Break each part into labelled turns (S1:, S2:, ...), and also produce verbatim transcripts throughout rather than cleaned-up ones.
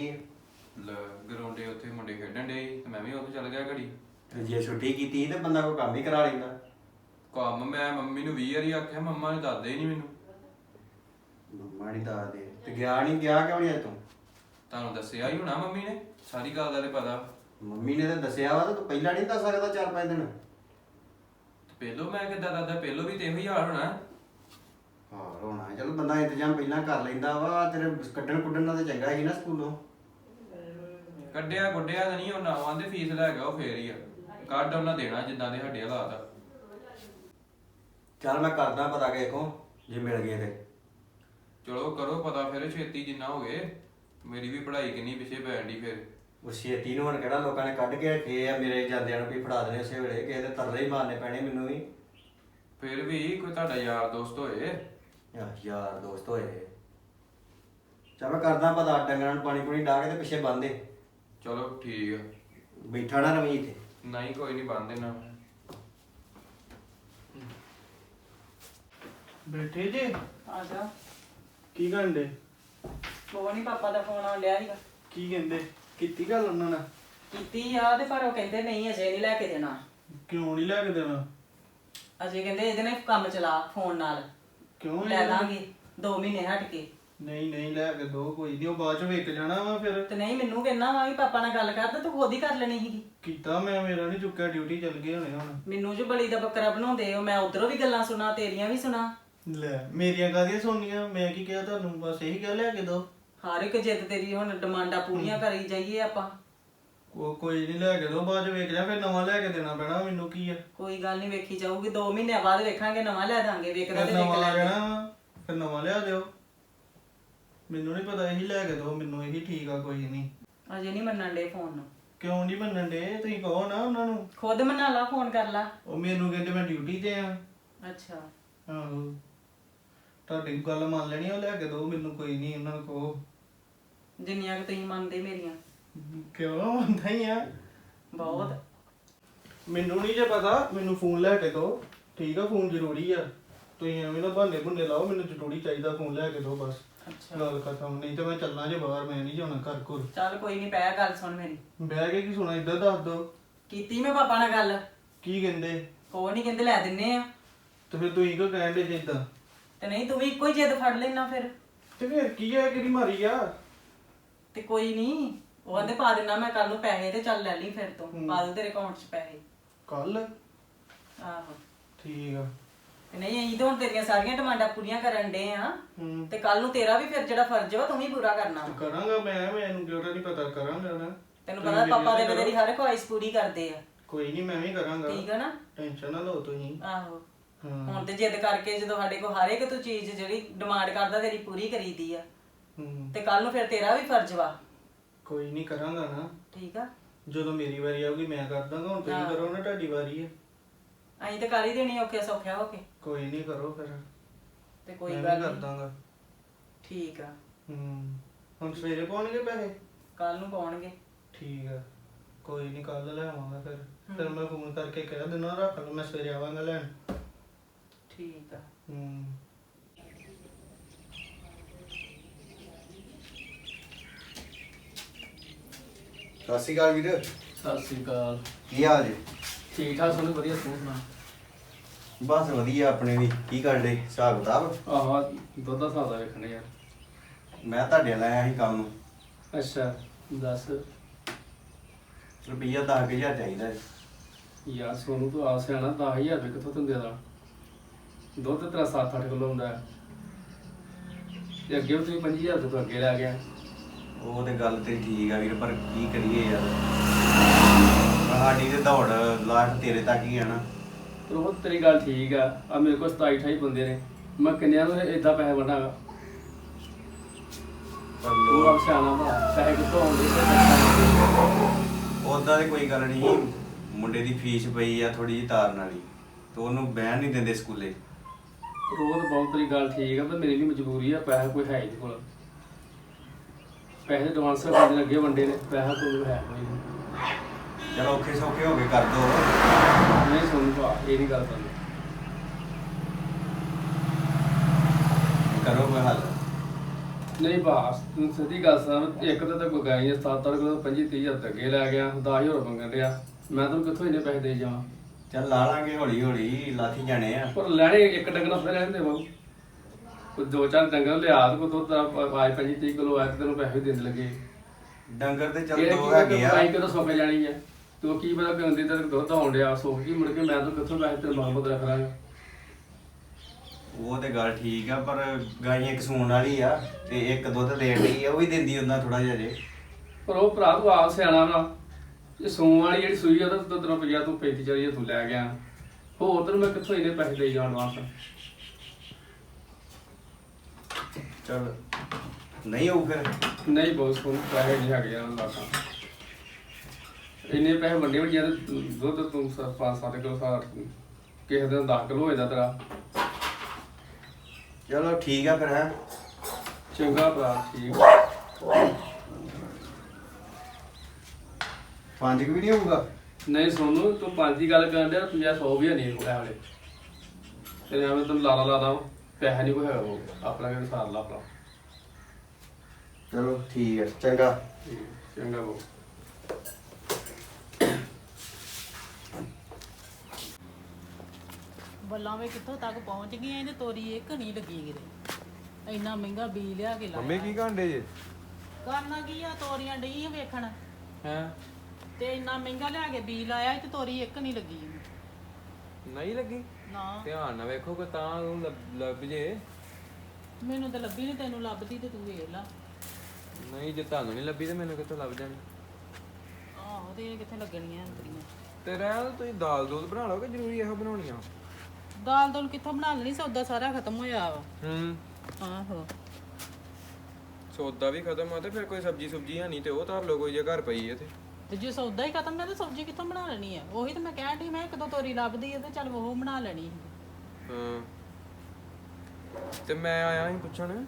S1: ਗਈ ਹੈ।
S2: ਲੈ ਗਰਾਉਂਡੇ ਉੱਥੇ ਮੁੰਡੇ ਖੇਡਣ ਡੇ ਤੇ ਮੈਂ ਵੀ ਉੱਥੇ ਚੱਲ ਗਿਆ ਘੜੀ।
S1: ਤੇ ਜੇ ਛੁੱਟੀ ਕੀਤੀ ਤੇ ਬੰਦਾ ਕੋਈ ਕੰਮ ਹੀ ਕਰਾ ਲੈਂਦਾ।
S2: ਕੰਮ ਮੈਂ ਮੰਮੀ ਨੂੰ ਵੀਹ ਵਾਰੀ ਆਖਿਆ, ਮੰਮਾ ਨੇ ਦੱਸਦੇ ਹੀ ਨਹੀਂ ਮੈਨੂੰ।
S1: ਮੰਮਾ ਨਹੀਂ ਦੱਸਦੇ ਤੇ ਗਿਆ ਨਹੀਂ ਗਿਆ ਕਿਉਂ ਨਹੀਂ ਅੱਜ ਤੂੰ?
S2: ਤੁਹਾਨੂੰ ਦੱਸਿਆ ਹੀ ਹੋਣਾ ਮੰਮੀ ਨੇ, ਸਾਰੀ ਗੱਲ ਦਾ ਤੇ ਪਤਾ।
S1: ਮੰਮੀ ਨੇ ਤਾਂ ਦੱਸਿਆ ਵਾ ਤੇ ਤੂੰ ਪਹਿਲਾਂ ਨਹੀਂ ਦੱਸ ਸਕਦਾ ਚਾਰ ਪੰਜ ਦਿਨ?
S2: ਪਹਿਲੋਂ ਮੈਂ ਕਿੱਦਾਂ ਦੱਸਦਾ, ਪਹਿਲੋਂ ਵੀ ਤੇ ਇਹੋ ਹੀ ਹਾਲ ਹੋਣਾ।
S1: ਹਾਂ ਹੋਣਾ ਚਲ ਬੰਦਾ ਇੰਤਜ਼ਾਮ ਪਹਿਲਾਂ ਕਰ ਲੈਂਦਾ ਵਾ। ਤੇਰੇ ਕੱਢਣ ਕੁੱਢਣ ਨਾਲ ਤੇ ਚੰਗਾ ਸੀ ਨਾ ਸਕੂਲੋਂ।
S2: ਕੱਢਿਆ ਗੁੱਡਿਆ ਤਾਂ ਨਹੀਂ, ਉਹਨਾਂ ਆਂਦੇ ਫੀਸ ਲੈ ਗਿਆ ਉਹ ਫੇਰ ਹੀ ਆ। ਕੱਢ ਉਹਨਾਂ ਦੇਣਾ ਜਿੱਦਾਂ ਦੇ ਸਾਡੇ ਹਾਲਾਤ ਆ।
S1: ਚੱਲ ਮੈਂ ਕਰਦਾ ਪਤਾ ਕਿਸੇ ਕੋਲ, ਜੇ ਮਿਲ ਗਏ ਤੇ।
S2: ਚਲੋ ਕਰੋ ਪਤਾ ਫਿਰ ਛੇਤੀ ਜਿੰਨਾ ਹੋ ਗਏ। ਮੇਰੀ ਵੀ ਪੜ੍ਹਾਈ ਕਿੰਨੀ ਪਿੱਛੇ ਪੈਣ ਡਈ ਫਿਰ।
S1: ਉਹ ਛੇਤੀ ਨੂੰ ਹੁਣ ਕਿਹੜਾ ਲੋਕਾਂ ਨੇ ਕੱਢ ਕੇ ਰੱਖੇ ਆ ਮੇਰੇ ਜਾਂਦਿਆਂ ਨੂੰ ਵੀ ਫੜਾ ਦੇਣੇ ਉਸੇ ਵੇਲੇ। ਕਿਸੇ ਦੇ ਤਰਲੇ ਹੀ ਮਾਰਨੇ ਪੈਣੇ ਮੈਨੂੰ ਵੀ।
S2: ਫਿਰ ਵੀ ਕੋਈ ਤੁਹਾਡਾ ਯਾਰ ਦੋਸਤ ਹੋਏ।
S1: ਯਾਰ ਯਾਰ ਦੋਸਤ ਹੋਏ। ਚੱਲ ਮੈਂ ਕਰਦਾ ਪਤਾ, ਡੰਗਰਾਂ ਨੂੰ ਪਾਣੀ ਪੂਣੀ ਡਾਹ ਕੇ ਤੇ ਪਿੱਛੇ ਬੰਨ ਦੇ।
S2: ਚਲੋ ਠੀਕ ਆ।
S1: ਬੈਠਾ ਨਾ ਰਵੀ ਇੱਥੇ।
S2: ਨਹੀਂ ਕੋਈ ਨਹੀਂ ਬੰਨ ਦੇਣਾ।
S3: ਬੈਠੇ ਜੇ?
S4: ਆ ਜਾ।
S3: ਕੀ ਕਰਦੇ?
S4: ਉਹ ਨਹੀਂ ਪਾਪਾ ਦਾ ਫੋਨ ਆ ਲਿਆ ਸੀਗਾ।
S3: ਕੀ ਕਹਿੰਦੇ? ਕੀਤੀ ਗੱਲ ਉਹਨਾਂ ਨਾਲ?
S4: ਕੀਤੀ ਆ ਤੇ ਪਰ ਉਹ ਕਹਿੰਦੇ ਨਹੀਂ ਅਜੇ ਨਹੀਂ ਲੈ ਕੇ ਦੇਣਾ।
S3: ਕਿਉਂ ਨਹੀਂ ਲੈ ਕੇ ਦੇਣਾ?
S4: ਅਜੇ ਕਹਿੰਦੇ ਇਹਦੇ ਨਾਲ ਕੰਮ ਚਲਾ ਫੋਨ ਨਾਲ।
S3: ਕਿਉਂ
S4: ਲੈ ਲਾਂਗੇ ਦੋ ਮਹੀਨੇ ਹਟ ਕੇ।
S3: ਨਹੀਂ ਨਹੀਂ ਲੈ ਕੇ ਦੋ, ਕੋਈ ਨਹੀਂ, ਉਹ ਬਾਅਦ ਚ ਵੇਖ ਜਾਣਾ ਵਾ ਫਿਰ।
S4: ਤੇ ਨਹੀਂ ਮੈਨੂੰ ਕਹਿੰਦਾ ਵਾ ਵੀ ਪਾਪਾ ਨਾਲ ਗੱਲ ਕਰ ਤੇ ਤੂੰ ਖੁਦ ਹੀ ਕਰ ਲੈਣੀ ਸੀਗੀ।
S3: ਕੀਤਾ ਮੈਂ, ਮੇਰਾ ਨਹੀਂ ਚੁੱਕਿਆ, ਡਿਊਟੀ ਚੱਲ ਗਏ ਹੋਣੇ ਹੁਣ।
S4: ਮੈਨੂੰ ਜੋ ਬਲੀ ਦਾ ਬੱਕਰਾ ਬਣਾਉਂਦੇ ਹੋ, ਮੈਂ ਉਧਰੋਂ ਵੀ ਗੱਲਾਂ ਸੁਣਾ ਤੇਰੀਆਂ ਵੀ ਸੁਣਾ।
S3: ਲੈ ਮੇਰੀਆਂ ਕਾਹਦੀਆਂ ਸੁਣਨੀਆਂ? ਮੈਂ ਕੀ ਕਿਹਾ ਤੁਹਾਨੂੰ? ਬਸ ਇਹੀ ਗੱਲ ਲੈ ਕੇ ਦੋ।
S4: ਹਰ ਇੱਕ ਜਿੱਦ ਤੇਰੀ ਹੁਣ ਡਿਮਾਂਡਾਂ ਪੂਰੀਆਂ ਕਰੀ ਜਾਈਏ ਆਪਾਂ।
S3: ਉਹ ਕੋਈ ਨਹੀਂ ਲੈ ਕੇ ਦੋ, ਬਾਅਦ ਚ ਵੇਖ ਜਾ, ਫਿਰ ਨਵਾਂ ਲੈ ਕੇ ਦੇਣਾ ਪੈਣਾ। ਮੈਨੂੰ ਕੀ ਆ?
S4: ਕੋਈ ਗੱਲ ਨਹੀਂ ਵੇਖੀ ਜਾਊਗੀ, ਦੋ ਮਹੀਨਿਆਂ ਬਾਅਦ ਵੇਖਾਂਗੇ, ਨਵਾਂ ਲੈ ਦਾਂਗੇ। ਵੇਖਦਾ
S3: ਫਿਰ
S4: ਤੇ ਵੇਖ
S3: ਨਵਾਂ
S4: ਲੈ।
S3: ਲੈਣਾ ਫਿਰ ਨਵਾਂ ਲਿਆ ਦਿਓ। ਮੈਨੂੰ ਨਹੀਂ ਪਤਾ, ਇਹੀ ਲੈ ਕੇ ਦੋ ਮੈਨੂੰ, ਇਹੀ ਠੀਕ ਆ। ਕੋਈ ਨਹੀਂ।
S4: ਅਜੇ ਨਹੀਂ ਮੰਨਣ ਦੇ ਫੋਨ ਨੂੰ।
S3: ਕਿਉਂ ਨਹੀਂ ਮੰਨਣ ਦੇ? ਤੁਸੀਂ ਕਹੋ ਨਾ ਉਹਨਾਂ ਨੂੰ।
S4: ਖੁਦ ਮਨਾ ਲਾ, ਫੋਨ ਕਰ ਲਾ।
S3: ਉਹ ਮੈਨੂੰ ਕਹਿੰਦੇ ਮੈਂ ਡਿਊਟੀ ਤੇ ਆ।
S4: ਅੱਛਾ
S3: ਆਹੋ ਤੁਹਾਡੀ ਗੱਲ ਮੰਨ ਲੈਣੀ, ਉਹ ਲੈ ਕੇ ਦੋ ਮੈਨੂੰ। ਕੋਈ ਨਹੀਂ, ਉਹਨਾਂ ਨੂੰ ਕਹੋ।
S4: ਜਿੰਨੀਆਂ ਕਿ ਤੁਸੀਂ ਮੰਨਦੇ ਮੇਰੀਆਂ।
S3: ਕਿਉਂ ਮੰਨਦਾ ਹੀ ਆ?
S4: ਬਹੁਤ।
S3: ਮੈਨੂੰ ਨਹੀਂ ਜੇ ਪਤਾ, ਮੈਨੂੰ ਫੋਨ ਲੈ ਕੇ ਦੋ। ਠੀਕ ਆ, ਫੋਨ ਜ਼ਰੂਰੀ ਆ। ਤੁਸੀਂ ਐਵੇਂ ਨਾ ਬਹਾਨੇ ਬੁੰਨੇ ਲਾਓ, ਮੈਨੂੰ ਜ਼ਰੂਰੀ ਚਾਹੀਦਾ, ਫੋਨ ਲੈ ਕੇ ਦੋ ਬਸ।
S4: ਅੱਛਾ
S3: ਗੱਲ ਖਤਮ। ਨਹੀਂ ਤੇ ਮੈਂ ਚੱਲਣਾ ਜੇ ਬਾਹਰ, ਮੈਂ ਨਹੀਂ ਜਾਣਾ ਘਰ ਘੁਰ।
S4: ਚੱਲ ਕੋਈ ਨਹੀਂ, ਪੈ ਗੱਲ ਸੁਣ ਮੇਰੀ।
S3: ਬਹਿ ਕੇ ਕੀ ਸੁਣਾ? ਇੱਧਰ ਦੱਸ ਦੋ।
S4: ਕੀਤੀ ਮੈਂ ਪਾਪਾ ਨਾਲ ਗੱਲ।
S3: ਕੀ ਕਹਿੰਦੇ?
S4: ਉਹ ਨਹੀਂ ਕਹਿੰਦੇ ਲੈ ਦਿੰਨੇ ਆ।
S3: ਤੇ ਫਿਰ ਤੁਸੀਂ ਕਿਉਂ ਕਹਿਣ ਦੇ ਜੇ ਏਦਾਂ?
S4: ਤੇ ਨਹੀਂ ਤੂੰ ਵੀ ਇੱਕੋ ਹੀ ਜਿੱਦ ਫੜ ਲੈਣਾ ਫਿਰ।
S3: ਤੇ ਫਿਰ ਕੀ ਹੈ, ਕਿਹੜੀ ਮਾਰੀ ਆ?
S4: ਤੇ ਕੋਈ ਨਹੀਂ, ਉਹ ਕਹਿੰਦੇ ਪਾ ਦੇਣਾ ਮੈਂ ਕੱਲ ਨੂੰ ਪੈਸੇ, ਤੇ ਚੱਲ ਲੈ ਲਈ ਫਿਰ ਤੋਂ।
S3: ਹੂੰ।
S4: ਪਾ ਦੂ ਤੇਰੇ ਅਕਾਊਂਟ 'ਚ ਪੈਸੇ।
S3: ਕੱਲ?
S4: ਆਹੋ
S3: ਠੀਕ ਆ।
S4: ਤੇ ਨਹੀਂ ਅਸੀਂ ਤਾਂ ਹੁਣ ਤੇਰੀਆਂ ਸਾਰੀਆਂ ਡਿਮਾਂਡਾਂ ਪੂਰੀਆਂ ਕਰਨ ਡੇ ਆ।
S3: ਹੂੰ
S4: ਤੇ ਕੱਲ ਨੂੰ ਤੇਰਾ ਵੀ ਫਿਰ ਜਿਹੜਾ ਫਰਜ਼ ਵਾ ਤੂੰ ਵੀ ਪੂਰਾ ਕਰਨਾ ਵਾ।
S3: ਕਰਾਂਗਾ ਮੈਂ, ਮੈਨੂੰ ਕਿਉਂ ਨਹੀਂ ਪਤਾ, ਕਰਾਂਗਾ ਨਾ।
S4: ਤੈਨੂੰ ਪਤਾ ਪਾਪਾ ਦੇ ਤੇਰੀ ਹਰ ਖੁਆਇਸ਼ ਪੂਰੀ ਕਰਦੇ ਆ।
S3: ਕੋਈ ਨਹੀਂ, ਮੈਂ ਵੀ ਕਰਾਂਗਾ।
S4: ਠੀਕ ਆ ਨਾ?
S3: ਟੈਨਸ਼ਨ ਨਾ ਲਓ ਤੁਸੀਂ।
S4: ਆਹੋ
S3: ਹਾਂ।
S4: ਹੁਣ ਤੇ ਜਿੱਦ ਕਰਕੇ ਜਦੋਂ ਸਾਡੇ ਕੋਲ ਹਰ ਇੱਕ ਤੂੰ ਚੀਜ਼ ਜਿਹੜੀ ਡਿਮਾਂਡ ਕਰਦਾ ਤੇਰੀ ਪੂਰੀ ਕਰੀਦੀ ਆ।
S3: ਹੂੰ
S4: ਤੇ ਕੱਲ ਨੂੰ ਫਿਰ ਤੇਰਾ ਵੀ ਫਰਜ਼ ਵਾ।
S3: ਕੋਈ ਨਹੀਂ, ਕਰਾਂਗਾ ਨਾ।
S4: ਠੀਕ ਆ?
S3: ਜਦੋਂ ਮੇਰੀ ਵਾਰੀ ਆਊਗੀ ਮੈਂ ਕਰ ਦਾਂਗਾ। ਹੁਣ ਤੁਸੀਂ
S4: ਹਾਂ।
S3: ਕਰੋ ਨਾ, ਤੁਹਾਡੀ ਵਾਰੀ ਹੈ।
S4: ਅਸੀਂ ਤੇ ਕਰ ਹੀ ਦੇਣੀ ਔਖੇ ਸੌਖਿਆ ਹੋ ਕੇ।
S3: ਕੋਈ ਨਹੀਂ, ਕਰੋ ਫਿਰ।
S4: ਤੇ ਕੋਈ
S3: ਮੈਂ
S4: ਗੱਲ
S3: ਵੀ ਕਰ
S4: ਨਹੀਂ।
S3: ਦਾਂਗਾ।
S4: ਠੀਕ ਆ,
S3: ਹੂੰ ਹੁਣ ਸਵੇਰੇ ਪਾਉਣਗੇ ਪੈਸੇ?
S4: ਕੱਲ ਨੂੰ ਪਾਉਣਗੇ।
S3: ਠੀਕ ਆ, ਕੋਈ ਨਹੀਂ, ਕੱਲ ਲੈ ਆਵਾਂਗਾ ਫਿਰ। ਫਿਰ ਮੈਂ ਫੋਨ ਕਰਕੇ ਕਹਿ ਦਿੰਦਾ, ਰੱਖ ਲਓ, ਮੈਂ ਸਵੇਰੇ ਆਵਾਂਗਾ ਲੈਣ।
S4: ਠੀਕ ਆ।
S3: ਹੂੰ
S1: ਸਤਿ ਸ਼੍ਰੀ ਅਕਾਲ ਵੀਰ।
S5: ਸਤਿ ਸ੍ਰੀ ਅਕਾਲ।
S1: ਕੀ ਹਾਲ ਜੀ?
S5: ਠੀਕ ਠਾਕ ਸਾਨੂੰ ਵਧੀਆ, ਤੂੰ ਸੁਣਾ?
S1: ਬਸ ਵਧੀਆ ਆਪਣੇ ਵੀ। ਕੀ ਕਰਦੇ ਹਿਸਾਬ ਕਿਤਾਬ?
S5: ਆਹ ਦੁੱਧ ਦਾ ਹਿਸਾਬ ਦਾ ਵੇਖਣੇ ਯਾਰ।
S1: ਮੈਂ ਤੁਹਾਡੇ ਨਾਲ ਆਇਆ ਸੀ ਕੰਮ ਨੂੰ।
S5: ਅੱਛਾ ਦੱਸ।
S1: ਰੁਪਈਆ ਦਸ ਕੁ ਹਜ਼ਾਰ ਚਾਹੀਦਾ ਹੈ।
S5: ਯਾਰ ਸੋਨੂੰ ਤੂੰ ਆਪ ਸਿਆਣਾ, ਦਸ ਹਜ਼ਾਰ ਰੁਪਏ ਕਿੱਥੋਂ ਤੈਨੂੰ ਦੇ ਦਾਂ? ਦੁੱਧ ਤੇਰਾ ਸੱਤ ਅੱਠ ਕਿਲੋ ਹੁੰਦਾ ਹੈ ਤੇ ਅੱਗੇ ਵੀ ਤੂੰ ਪੰਜੀ ਹਜ਼ਾਰ ਤੋਂ ਅੱਗੇ ਲੈ ਗਿਆ।
S1: ਉਹ ਤੇ ਗੱਲ ਤੇ ਠੀਕ ਆ ਵੀਰ, ਪਰ ਕੀ ਕਰੀਏ ਯਾਰ, ਸਾਡੀ ਤੇ ਦੌੜ ਲਾਸਟ ਤੇਰੇ ਤੱਕ ਹੀ ਆ ਨਾ।
S5: ਪਰ ਉਹ ਤੇਰੀ ਗੱਲ ਠੀਕ ਆ। ਆ ਮੇਰੇ ਕੋਲ ਸਤਾਈ ਅਠਾਈ ਬੰਦੇ ਨੇ, ਮੈਂ ਕਿੰਨਿਆਂ ਨੂੰ ਏਦਾਂ ਪੈਸੇ ਵੰਡਾਂਗਾ?
S1: ਪਰ
S5: ਤੂੰ
S1: ਲੋਕ
S5: ਆਪ ਸਿਆਣਾ ਭਾ, ਪੈਸੇ ਕਿੱਥੋਂ ਆਉਂਦੇ?
S1: ਉਦਾਂ ਦੀ ਕੋਈ ਗੱਲ ਨਹੀਂ। ਮੁੰਡੇ ਦੀ ਫੀਸ ਪਈ ਆ ਥੋੜੀ ਜਿਹੀ ਤਾਰਨ ਵਾਲੀ, ਤੇ ਉਹਨੂੰ ਬਹਿਣ ਨਹੀਂ ਦਿੰਦੇ ਸਕੂਲੇ।
S5: ਰੋਜ਼ ਬਹੁਤ ਤੇਰੀ ਗੱਲ ਠੀਕ ਆ, ਪਰ ਮੇਰੀ ਵੀ ਮਜਬੂਰੀ ਆ। ਪੈਸਾ ਕੋਈ ਹੈ ਇਹਦੇ ਕੋਲ, ਪੈਸੇ ਐਡਵਾਂਸ ਕਰਨ ਲੱਗੇ ਵੰਡੇ ਨੇ, ਪੈਸਾ ਕੋਈ ਹੈ ਕੋਈ ਨਹੀਂ।
S1: ਚਲੋ ਔਖੇ ਸੌਖੇ ਹੋ ਕੇ ਕਰ ਦੋ।
S5: ਨਹੀਂ ਸੁਣ ਭਾ, ਇਹ ਨਹੀਂ ਗੱਲ ਕਰਨੀ।
S1: ਕਰੋ ਕੋਈ ਹੱਲ।
S5: ਨਹੀਂ ਬਾਸ ਤੂੰ ਸਿੱਧੀ ਗੱਲ ਸਾਂ ਇੱਕ ਤਾਂ ਤਾਂ ਕੋਈ ਗਾਈਆਂ ਸੱਤ ਅੱਠ ਕਿਲੋ ਪੰਜੀ ਤੀਹ ਹਜ਼ਾਰ ਅੱਗੇ ਲੈ ਗਿਆ ਦਸ ਹਜ਼ਾਰ ਮੰਗਣ ਡਿਆ ਮੈਂ ਤੈਨੂੰ ਕਿੱਥੋਂ ਇੰਨੇ ਪੈਸੇ ਦੇ ਜਾਵਾਂ
S1: ਚੱਲ ਲਾ ਲਾਂਗੇ ਹੌਲੀ ਹੌਲੀ ਲਾਥੀ ਜਾਣੇ ਆ।
S5: ਪਰ ਲੈਣੇ ਇੱਕ ਡੰਗਰ ਫਿਰ ਰਹਿੰਦੇ ਬਾਬੂ ਕੋਈ ਦੋ ਚਾਰ ਡੰਗਰ ਲਿਆ ਤੇ ਕੋਈ ਦੁੱਧ ਦਾ ਆਜ ਪੰਜੀ ਤੀਹ ਕਿਲੋ ਆਇਆ ਤੇ ਤੈਨੂੰ ਪੈਸੇ ਵੀ ਦੇਣ ਲੱਗੇ
S1: ਡੰਗਰ ਤੇ ਚੱਲ
S5: ਇਹ
S1: ਦੋ
S5: ਕੀ
S1: ਹੈਗੇ ਆ।
S5: ਕਮਾਈ ਕਦੋਂ ਸੁੱਕ ਜਾਣੀ ਹੈ ਤੂੰ ਕੀ ਪਤਾ ਕਿ ਹੁੰਦੀ ਤੇ ਦੁੱਧ ਆਉਣ ਡਿਆ ਸੁੱਕ ਗਈ ਮੁੜ ਕੇ ਮੈਂ ਤਾਂ ਕਿੱਥੋਂ ਪੈਸੇ ਤੇਰੇ ਮਾਮੂਦ ਰੱਖ ਲਾਂਗਾ
S1: ਉਹ ਤੇ ਗੱਲ ਠੀਕ ਆ ਪਰ ਗਾਈਆਂ ਇੱਕ ਸੂਣ ਵਾਲੀ ਆ ਤੇ ਇੱਕ ਦੁੱਧ ਦੇਣ ਲਈ ਆ ਉਹ ਵੀ ਦਿੰਦੀ ਉਹਨਾਂ ਥੋੜਾ ਜਿਹਾ ਜੇ।
S5: ਪਰ ਉਹ ਭਰਾ ਤੂੰ ਆਪ ਸਿਆਣਾ ਵਾ ਇਹ ਸੂਣ ਵਾਲੀ ਜਿਹੜੀ ਸੂਈ ਆ ਉਹਦਾ ਦੁੱਧ ਰੁਪਈਆ ਤੂੰ ਪੈਂਤੀ ਚਾਲੀ ਤੂੰ ਲੈ ਗਿਆ ਹੋਰ ਤੈਨੂੰ ਮੈਂ ਕਿੱਥੋਂ ਇੰਨੇ ਪੈਸੇ ਦੇ ਜਾਣ ਵਾਸਤੇ
S1: ਚੱਲ ਨਹੀਂ ਹੋਊ ਫਿਰ
S5: ਨਹੀਂ ਬਹੁਤ ਸੋਹਣੇ ਪੈਸੇ ਨਹੀਂ ਹੈਗੇ ਯਾਰ ਲਾਕਾਂ ਇੰਨੇ ਪੈਸੇ ਵੰਡੇ ਵੰਡੇ ਤੇ ਦੁੱਧ ਤੂੰ ਸ- ਪੰਜ ਸੱਤ ਕਿਲੋ ਸਾਰ ਕਿਸੇ ਦਿਨ ਦਸ ਕਿਲੋ ਹੋ ਜਾਂਦਾ ਤੇਰਾ
S1: ਚਲੋ ਠੀਕ ਆ ਫਿਰ ਹੈ।
S5: ਚੰਗਾ ਭਰਾ ਠੀਕ
S1: ਪੰਜ ਕੁ ਵੀ ਨਹੀਂ ਹੋਊਗਾ।
S5: ਨਹੀਂ ਸੋਨੂੰ ਤੂੰ ਪੰਜ ਦੀ ਗੱਲ ਕਰਨ ਡਿਆ ਪੰਜਾਹ ਸੌ ਵੀ ਨਹੀਂ ਕੋਲ ਵਾਲੇ ਤੇਰੇ ਐਵੇਂ ਤੈਨੂੰ ਲਾਰਾ ਲਾਦਾ ਪੈਸਾ ਨਹੀਂ ਕੋਈ ਹੈਗਾ ਉਹ ਆਪਣਾ ਕਿਹੜਾ ਸਾਰ ਲਾ ਆਪਣਾ
S1: ਚਲੋ ਠੀਕ ਹੈ ਚੰਗਾ।
S5: ਠੀਕ, ਚੰਗਾ ਬੋ
S4: ਬੱਲਾਂ ਵੇ ਕਿੱਥੋਂ ਤੱਕ ਪਹੁੰਚ ਗਈਆਂ ਇਹਦੇ ਤੋਰੀ ਇੱਕ ਨਹੀਂ ਲੱਗੀ ਕਿਤੇ ਇੰਨਾ ਮਹਿੰਗਾ ਬੀ ਲਿਆ ਕੇ ਲਾਇਆ
S2: ਮੰਮੀ ਕੀ ਕਾਂਡੇ ਜੇ
S4: ਕਰਨਾ ਕੀ ਆ ਤੋਰੀਆਂ ਡਈ ਆ ਵੇਖਣ
S2: ਹੈ
S4: ਤੇ ਇੰਨਾ ਮਹਿੰਗਾ ਲਿਆ ਕੇ ਬੀ ਲਾਇਆ ਤੇ ਤੋਰੀ ਇੱਕ ਨਹੀਂ ਲੱਗੀ
S2: ਨਹੀਂ ਲੱਗੀ
S4: ਨਾ
S2: ਧਿਆਨ ਨਾਲ ਵੇਖੋ ਕਿ ਤਾਂ ਉਹ ਲੱਭ- ਲੱਭ ਜੇ
S4: ਮੈਨੂੰ ਤਾਂ ਲੱਭੀ ਨਹੀਂ ਤੈਨੂੰ ਲੱਭਦੀ ਤੇ ਤੂੰ ਵੇਖ ਲਾ
S2: ਨਹੀਂ ਜੇ ਤੁਹਾਨੂੰ ਨਹੀਂ ਲੱਭੀ ਤੇ ਮੈਨੂੰ ਕਿੱਥੋਂ ਲੱਭ ਜਾਣੀ
S4: ਆਹੋ ਤੇ ਇਹ ਕਿੱਥੇ ਲੱਗਣੀਆਂ ਅੰਤਰੀਆਂ
S2: ਤੇ ਰਹਿ ਤੁਸੀਂ ਦਾਲ ਦੂਧ ਬਣਾ ਲਓ ਕਿ ਜ਼ਰੂਰੀ ਇਹੋ ਬਣਾਉਣੀਆਂ
S4: ਦਾਲ ਦੋਲ ਕਿੱਥੋਂ ਬਣਾ ਲੈਣੀ ਸੌਦਾ ਸਾਰਾ ਖਤਮ ਹੋਇਆ ਵਾ
S2: ਹੂੰ
S4: ਆਹੋ
S2: ਸੌਦਾ ਵੀ ਖਤਮ ਆ ਤੇ ਫਿਰ ਕੋਈ ਸਬਜੀ ਸੁਬਜੀ ਹੈ ਨਹੀਂ ਤੇ ਉਹ ਧਰ ਲਓ ਕੋਈ ਜੇ ਘਰ ਪਈ ਹੈ ਤੇ
S4: ਤੇ ਜੇ ਸੌਦਾ ਹੀ ਖਤਮ ਹੈ ਤੇ ਸਬਜ਼ੀ ਕਿੱਥੋਂ ਬਣਾ ਲੈਣੀ ਆ ਉਹੀ ਤਾਂ ਮੈਂ ਕਹਿਣ ਡਈ ਮੈਂ ਇੱਕ ਦੋ ਤੋਰੀ ਲੱਭਦੀ ਆ ਤੇ ਚੱਲ ਉਹ ਬਣਾ ਲੈਣੀ ਸੀ।
S2: ਹਾਂ ਤੇ ਮੈਂ ਆਇਆ ਸੀ ਪੁੱਛਣ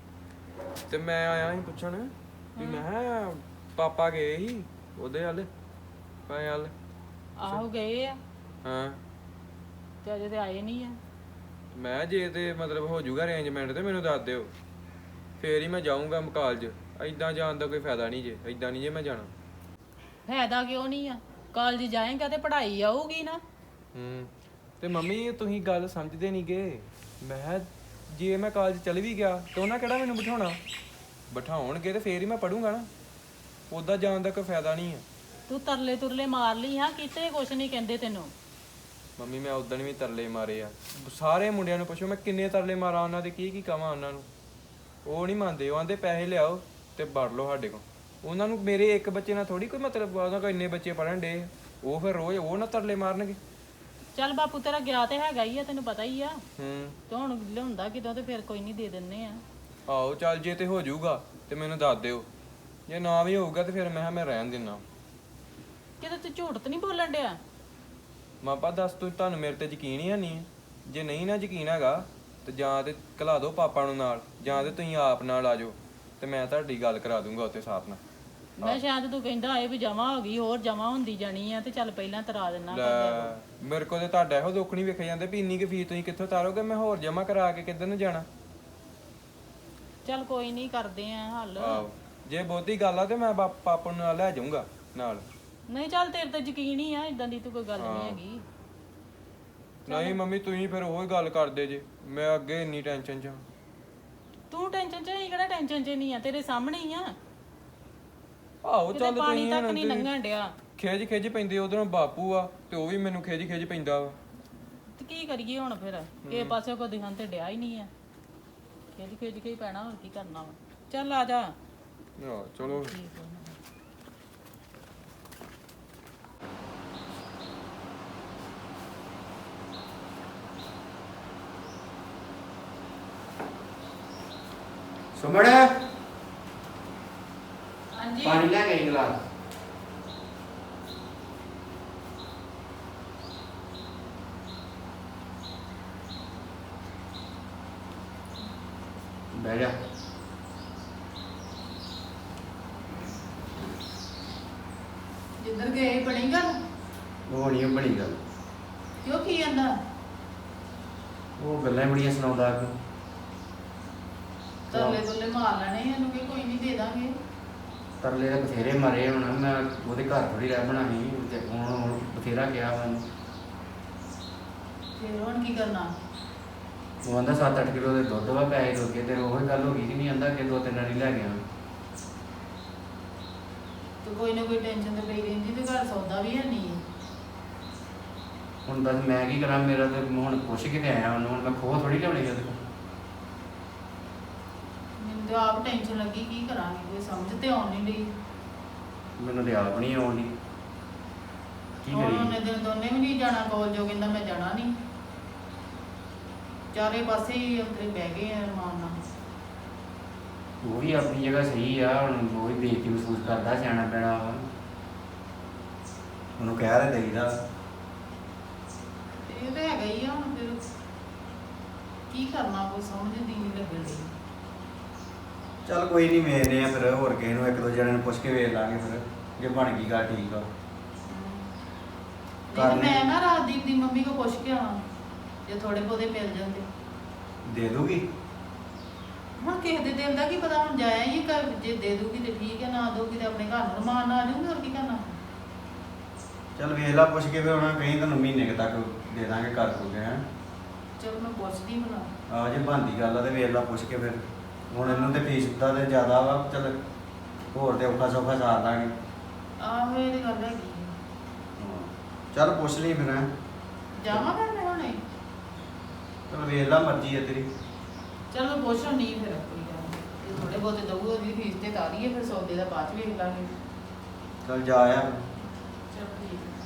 S2: ਤੇ ਮੈਂ ਆਇਆ ਸੀ ਪੁੱਛਣ ਵੀ ਮੈਂ ਕਿਹਾ ਪਾਪਾ ਗਏ ਸੀ ਉਹਦੇ ਹੱਲ ਪਾਏ ਹੱਲ
S4: ਆਹੋ ਗਏ ਆ
S2: ਹਾਂ
S4: ਤੇ ਅਜੇ ਤੇ ਆਏ ਨਹੀਂ ਆ
S2: ਮੈਂ ਜੇ ਤੇ ਮਤਲਬ ਹੋ ਜਾਊਗਾ ਅਰੇਂਜਮੈਂਟ ਤੇ ਮੈਨੂੰ ਦੱਸ ਦਿਓ ਫੇਰ ਹੀ ਮੈਂ ਜਾਊਂਗਾ ਕਾਲਜ ਐਦਾਂ ਜਾਣ ਦਾ ਕੋਈ ਫਾਇਦਾ ਨਹੀਂ ਜੇ ਐਦਾਂ ਨਹੀਂ ਜੇ ਮੈਂ ਜਾਣਾ
S4: ਫਾਇਦਾ ਕਿਉਂ ਨਹੀਂ ਆ ਕਾਲਜ ਜਾਏਗਾ ਤੇ ਪੜ੍ਹਾਈ ਆਊਗੀ ਨਾ
S2: ਹੂੰ ਤੇ ਮੰਮੀ ਤੁਸੀਂ ਗੱਲ ਸਮਝਦੇ ਨਹੀਂ ਗੇ ਮੈਂ ਕਿਹਾ ਜੇ ਮੈਂ ਕਾਲਜ ਚਲ ਵੀ ਗਿਆ ਤੇ ਉਹਨਾਂ ਕਿਹੜਾ ਮੈਨੂੰ ਬਿਠਾਉਣਾ ਬਿਠਾਉਣਗੇ ਤੇ ਫੇਰ ਹੀ ਮੈਂ ਪੜੂੰਗਾ ਨਾ ਉੱਦਾਂ ਜਾਣ ਦਾ ਕੋਈ ਫਾਇਦਾ ਨਹੀਂ ਹੈ
S4: ਤੂੰ ਤਰਲੇ ਤੁਰਲੇ ਮਾਰ ਲਈ ਹਾਂ ਕਿਤੇ ਕੁਛ ਨਹੀਂ ਕਹਿੰਦੇ ਤੈਨੂੰ
S2: ਮੰਮੀ ਮੈਂ ਉਦੋਂ ਵੀ ਤਰਲੇ ਮਾਰੇ ਆ ਸਾਰੇ ਮੁੰਡਿਆਂ ਨੂੰ ਪੁੱਛੋ ਮੈਂ ਕਿੰਨੇ ਤਰਲੇ ਮਾਰਾਂ ਉਹਨਾਂ ਦੇ ਕੀ ਕੀ ਕਵਾਂ ਉਹਨਾਂ ਨੂੰ ਉਹ ਨਹੀਂ ਮੰਨਦੇ ਉਹ ਆਂਦੇ ਪੈਸੇ ਲਿਆਓ ਤੇ ਵੜ ਲਓ ਸਾਡੇ ਕੋਲ ਉਹਨਾਂ ਨੂੰ ਮੇਰੇ ਇੱਕ ਬੱਚੇ ਨਾਲ ਥੋੜੀ ਕੋਈ ਮਤਲਬ ਆ ਉਹਨਾਂ ਕੋਲ ਇੰਨੇ ਬੱਚੇ ਪੜਨ ਡੇ ਉਹ ਫਿਰ ਰੋਜ਼ ਉਹ ਨਾ ਤਰਲੇ ਮਾਰਨਗੇ
S4: ਚੱਲ ਬਾਪੂ ਤੇਰਾ ਗਿਆ ਤੇ ਹੈਗਾ ਹੀ ਆ ਤੈਨੂੰ ਪਤਾ ਹੀ ਆ
S2: ਹੂੰ
S4: ਤੇ ਹੁਣ ਲਿਆਉਂਦਾ ਕਿਦੋਂ ਤੇ ਫਿਰ ਕੋਈ ਨਹੀਂ ਦੇ ਦਿੰਨੇ ਆ
S2: ਆਓ ਚੱਲ ਜੇ ਤੇ ਹੋ ਜਾਊਗਾ ਤੇ ਮੈਨੂੰ ਦੱਸ ਦਿਓ ਜੇ ਨਾ ਵੀ ਹੋਊਗਾ ਤੇ ਫਿਰ ਮੈਂ ਕਿਹਾ ਮੈਂ ਰਹਿਣ ਦਿੰਨਾ
S4: ਕਿਤੇ ਤੂੰ ਝੂਠ ਤੇ ਨਹੀਂ ਬੋਲਣ ਡਿਆ
S2: ਮਾਪਾ ਦੱਸ ਤੂੰ ਤੁਹਾਨੂੰ ਮੇਰੇ ਤੇ ਯਕੀਨ ਹੀ ਨਹੀਂ ਜੇ ਨਹੀਂ ਨਾ ਯਕੀਨ ਹੈਗਾ ਤੇ ਜਾਂ ਤੇ ਘਲਾ ਦਿਓ ਪਾਪਾ ਨੂੰ ਨਾਲ ਜਾਂ ਤੇ ਤੁਸੀਂ ਆਪ ਨਾਲ ਆ ਜਾਓ ਤੇ ਮੈਂ ਤੁਹਾਡੀ ਗੱਲ ਕਰਾ ਦੂੰਗਾ ਉੱਥੇ ਸਾਥ ਨਾਲ
S4: ਮੈਂ ਸ਼ਾਇਦ ਤੂੰ ਕਹਿੰਦਾ ਇਹ ਵੀ ਜਮਾ ਹੋ ਗਈ ਹੋਰ ਜਮਾ ਹੁੰਦੀ ਜਾਣੀ ਆ ਤੇ ਚੱਲ ਪਹਿਲਾਂ ਤਰਾ ਦੇਣਾ
S2: ਲੈ ਮੇਰੇ ਕੋਲ ਤੇ ਤੁਹਾਡਾ ਇਹੋ ਦੁੱਖ ਨਹੀਂ ਵੇਖੇ ਜਾਂਦੇ ਵੀ ਇੰਨੀ ਕੁ ਫੀਸ ਤੁਸੀਂ ਕਿੱਥੋਂ ਤਾਰੋਗੇ ਮੈਂ ਹੋਰ ਜਮਾ ਕਰਾ ਕੇ ਕਿੱਧਰ ਨੂੰ ਜਾਣਾ
S4: ਚੱਲ ਕੋਈ ਨਹੀਂ ਕਰਦੇ ਆ ਹੱਲ
S2: ਆਹੋ ਜੇ ਬਹੁਤੀ ਗੱਲ ਆ ਤੇ ਮੈਂ ਬਾ- ਪਾਪਾ ਨੂੰ ਨਾਲ ਲੈ ਜਾਊਂਗਾ ਨਾਲ
S4: ਨਹੀਂ ਚੱਲ ਤੇਰੇ ਤੇ ਯਕੀਨ ਹੀ ਆ ਇਦਾਂ ਦੀ ਤੂੰ ਕੋਈ ਗੱਲ ਨਹੀਂ ਹੈਗੀ
S2: ਨਹੀਂ ਮੰਮੀ ਤੁਸੀਂ ਫਿਰ ਉਹੀ ਗੱਲ ਕਰਦੇ ਜੇ ਮੈਂ ਅੱਗੇ ਇੰਨੀ ਟੈਨਸ਼ਨ 'ਚ ਹਾਂ।
S4: ਤੂੰ ਟੈਨਸ਼ਨ ਚ ਨਹੀਂ ਕਿਹੜਾ ਟੈਨਸ਼ਨ ਚ ਨਹੀਂ ਆ ਤੇਰੇ ਸਾਹਮਣੇ ਹੀ ਆ
S2: ਆਹੋ
S4: ਕਿਤੇ
S2: ਚੱਲ
S4: ਪਾਣੀ
S2: ਤੁਸੀਂ
S4: ਤੱਕ
S2: ਹੁਣ
S4: ਨਹੀਂ
S2: ਤੁਸੀਂ
S4: ਲੰਘਣ ਡਿਆ
S2: ਖਿਜ ਖਿਜ ਪੈਂਦੇ ਉਧਰੋਂ ਬਾਪੂ ਆ ਤੇ ਉਹ ਵੀ ਮੈਨੂੰ ਖਿਜ ਖਿਜ ਪੈਂਦਾ ਵਾ
S4: ਤੇ ਕੀ ਕਰੀਏ ਹੁਣ ਫਿਰ ਕਿਸੇ ਪਾਸੇ ਕੋ ਦਿਖਣ ਤੇ ਡਿਆ ਹੀ ਨਹੀਂ ਆ ਖੇਜ ਖੇਜ ਕੇ ਹੀ ਪੈਣਾ ਹੋਰ ਕੀ ਕਰਨਾ ਵਾ ਚੱਲ ਆ ਜਾ
S2: ਆਹ, ਚਲੋ
S4: ਠੀਕ ਆ।
S1: ਸੁਮਣ
S4: ਹਾਂਜੀ
S1: ਪਾਣੀ ਲੈ ਕੇ ਆਈ ਗਲਾਸ ਬਹਿ ਜਾ
S4: ਜਿੱਧਰ ਗਏ ਬਣੀ ਗੱਲ
S1: ਉਹ ਨਹੀਂ ਬਣੀ ਗੱਲ
S4: ਕਿਉਂ ਕੀ ਕਹਿੰਦਾ
S1: ਉਹ ਗੱਲਾਂ ਹੀ ਬੜੀਆਂ ਸੁਣਾਉਂਦਾ ਕਿ
S4: ਤਰਲੇ ਤੁਲੇ ਮਾਰ ਲੈਣੇ ਇਹਨੂੰ ਕਿ ਕੋਈ ਨਹੀਂ ਦੇ ਦਾਂਗੇ।
S5: ਤਰਲੇ ਤਾਂ ਬਥੇਰੇ ਮਰੇ ਹੁਣ ਮੈਂ ਉਹਦੇ ਘਰ ਥੋੜੀ ਰਹਿ ਬਣਾ ਸੀ ਤੇ ਹੁਣ ਹੁਣ ਬਥੇਰਾ ਗਿਆ ਮੈਨੂੰ।
S4: ਫਿਰ ਹੁਣ ਕੀ ਕਰਨਾ?
S5: ਉਹ ਕਹਿੰਦਾ ਸੱਤ ਅੱਠ ਕਿਲੋ ਦੇ ਦੁੱਧ ਵਾ ਪੈਸੇ ਦੋ ਕੇ ਤੇ ਉਹੀ ਗੱਲ ਹੋ ਗਈ ਕਿ ਨਹੀਂ ਆਂਦਾ ਕਿ ਦੋ ਤਿੰਨ ਵਾਰੀ ਲੈ ਗਿਆ।
S4: ਤੇ ਕੋਈ ਨਾ ਕੋਈ ਟੈਨਸ਼ਨ ਤੇ ਪਈ ਰਹਿੰਦੀ ਤੇ ਘਰ ਸੌਦਾ ਵੀ ਹੈ ਨਹੀਂ।
S5: ਹੁਣ ਬਸ ਮੈਂ ਕੀ ਕਰਾਂ, ਮੇਰਾ ਤੇ ਹੁਣ ਪੁੱਛ ਕੇ ਤੇ ਆਇਆ ਉਹਨੂੰ, ਹੁਣ ਮੈਂ ਖੋਹ ਥੋੜੀ ਲਿਆਉਣੀ ਉਹਦੇ ਕੋਲ।
S4: ਮੈਨੂੰ ਤੇ ਆਪ ਟੈਨਸ਼ਨ ਲੱਗੀ ਕੀ ਕਰਾਂਗੇ, ਕੋਈ ਸਮਝ ਤੇ ਆਉਣ ਨਹੀਂ ਡਈ।
S5: ਮੈਨੂੰ ਤੇ ਆਪ ਨਹੀਂ ਆਉਂਦੀ ਕੀ
S4: ਹੁਣ
S5: ਕਰੀਏ।
S4: ਉਹਨੇ ਦਿਨ ਦੋਨੇ ਵੀ ਨਹੀਂ ਜਾਣਾ ਕਾਲਜ, ਉਹ ਕਹਿੰਦਾ ਮੈਂ ਜਾਣਾ ਨਹੀਂ। ਚਾਰੇ ਪਾਸੇ ਹੀ ਅੰਤਰੇ ਬਹਿ ਗਏ ਆ ਮਾਨ ਨਾਲ।
S5: ਉਹ ਵੀ ਆਪਣੀ ਜਗ੍ਹਾ ਸਹੀ ਆ, ਹੁਣ ਉਹ ਵੀ ਬੇਇੱਜ਼ਤੀ ਮਹਿਸੂਸ ਕਰਦਾ, ਸਿਆਣਾ ਪੈਣਾ ਵਾ।
S1: ਉਹਨੂੰ ਕਹਿ ਰਹੇ ਦੇਈਦਾ।
S4: ਇਹ ਤਾਂ ਹੈਗਾ ਹੀ ਆ, ਹੁਣ ਫਿਰ ਕੀ ਕਰਨਾ, ਕੋਈ ਸਮਝ ਦੀ ਨਹੀਂ ਲੱਗਣ ਡਈ।
S1: ਚੱਲ ਕੋਈ ਨਹੀਂ, ਵੇਖਦੇ ਆ ਫਿਰ ਹੋਰ ਕਿਸੇ ਨੂੰ ਇੱਕ ਦੋ ਜਣੇ ਨੂੰ ਪੁੱਛ ਕੇ ਵੇਖ ਲਾਂਗੇ ਫਿਰ, ਜੇ ਬਣ ਗਈ ਗੱਲ ਠੀਕ ਆ।
S4: ਨਹੀਂ ਤੇ ਮੈਂ ਨਾ ਰਾਜਦੀਪ ਦੀ ਮੰਮੀ ਕੋ ਪੁੱਛ ਕੇ ਆਵਾਂ, ਜੇ ਥੋੜੇ ਬਹੁਤੇ ਮਿਲ ਜਾਂਦੇ।
S1: ਦੇ ਦੂਗੀ?
S4: ਹੁਣ ਕਿਸੇ ਦੇ ਦਿਲ ਦਾ ਕੀ ਪਤਾ, ਹੁਣ ਜਾਇਆ ਹੀ ਘਰ, ਜੇ ਦੇ ਦੂਗੀ ਤੇ ਠੀਕ ਹੈ, ਨਾ ਦਊਗੀ ਤੇ ਆਪਣੇ ਘਰ ਨੂੰ ਰਮਾਨ ਨਾਲ ਆ ਜਾਊਗੀ, ਹੋਰ ਕੀ ਕਰਨਾ।
S1: ਚੱਲ ਵੇਖ ਲਾ ਪੁੱਛ ਕੇ ਫਿਰ ਉਹਨਾਂ ਕਹੀਂ ਤੁਹਾਨੂੰ ਮਹੀਨੇ ਕੁ ਤੱਕ ਦੇ ਦਾਂਗੇ ਕਰ ਦੋਗੇ ਹੈ।
S4: ਚਲੋ ਮੈਂ ਪੁੱਛਦੀ ਭਲਾ।
S1: ਆ ਜੇ ਬਣਦੀ ਗੱਲ ਆ ਤੇ ਵੇਖ ਲਾ ਪੁੱਛ ਕੇ ਫਿਰ। ਹੁਣ ਇਹਨੂੰ ਤੇ ਫੀਸ ਦਾ ਤੇ ਜ਼ਿਆਦਾ ਵਾ, ਚੱਲ ਹੋਰ ਤੇ ਔਖਾ ਸੌਖਾ ਸਾਰ ਦਾਂਗੇ।
S4: ਆਹੋ ਇਹ ਤੇ ਗੱਲ ਹੈਗੀ ਆ।
S1: ਚੱਲ ਪੁੱਛ ਲਈ ਫਿਰ ਹੈਂ।
S4: ਜਾਵਾਂ ਫਿਰ ਮੈਂ ਹੁਣੇ?
S1: ਚੱਲ ਵੇਖ ਲਾ, ਮਰਜ਼ੀ ਹੈ ਤੇਰੀ।
S4: ਚਲੋ ਮੈਂ ਪੁੱਛ ਨਹੀਂ ਫਿਰ ਕੋਈ ਗੱਲ ਨੀ। ਜੇ ਥੋੜੇ ਬਹੁਤੇ ਦਊਗਾ ਉਹਦੀ ਫੀਸ ਤੇ ਤਾਰੀਏ, ਫਿਰ ਸੌਦੇ ਦਾ ਬਾਅਦ ਚ ਵੇਖ ਲਾਂਗੇ।
S1: ਚੱਲ ਜਾ ਆ।
S4: ਚਲੋ ਠੀਕ ਹੈ।